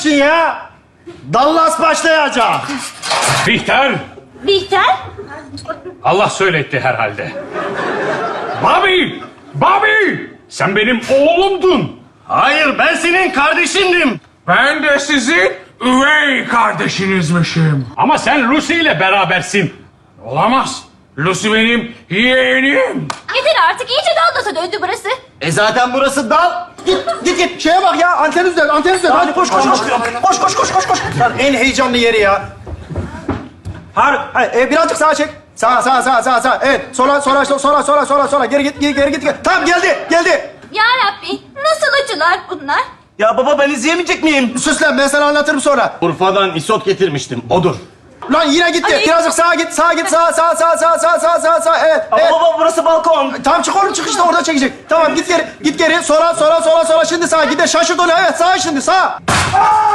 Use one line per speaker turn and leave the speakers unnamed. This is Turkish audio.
için ya. Dallas başlayacak.
Bihter,
Bihter?
Allah söyletti herhalde. Bobby, Bobby, sen benim oğlumdun.
Hayır, ben senin kardeşindim.
Ben de sizin üvey kardeşinizmişim. Ama sen Lucy ile berabersin. Olamaz. Lucy benim yeğenim.
Yeter artık, iyice Dallas'a döndü burası.
Zaten burası dal. Git. Şeye bak ya, anten üzerinde, anten üzerinde. Hadi koş. Koş. Lan en heyecanlı yeri ya. Birazcık sağa çek. Sağ. Evet. Sola. Geri git. Tamam, geldi.
Ya Rabbi, nasıl acılar bunlar?
Ya baba, ben izleyemeyecek miyim? Sus lan, ben sana anlatırım sonra. Urfa'dan isot getirmiştim, odur. Lan yine gitti.
Ay.
Birazcık sağa git. Sağ. Evet.
Ama baba burası balkon.
Tamam, çık oğlum, çık işte, orada çekecek. Tamam, git geri. Sola. Şimdi sağa. Git de şaşırt onu. Evet, sağa şimdi, sağa.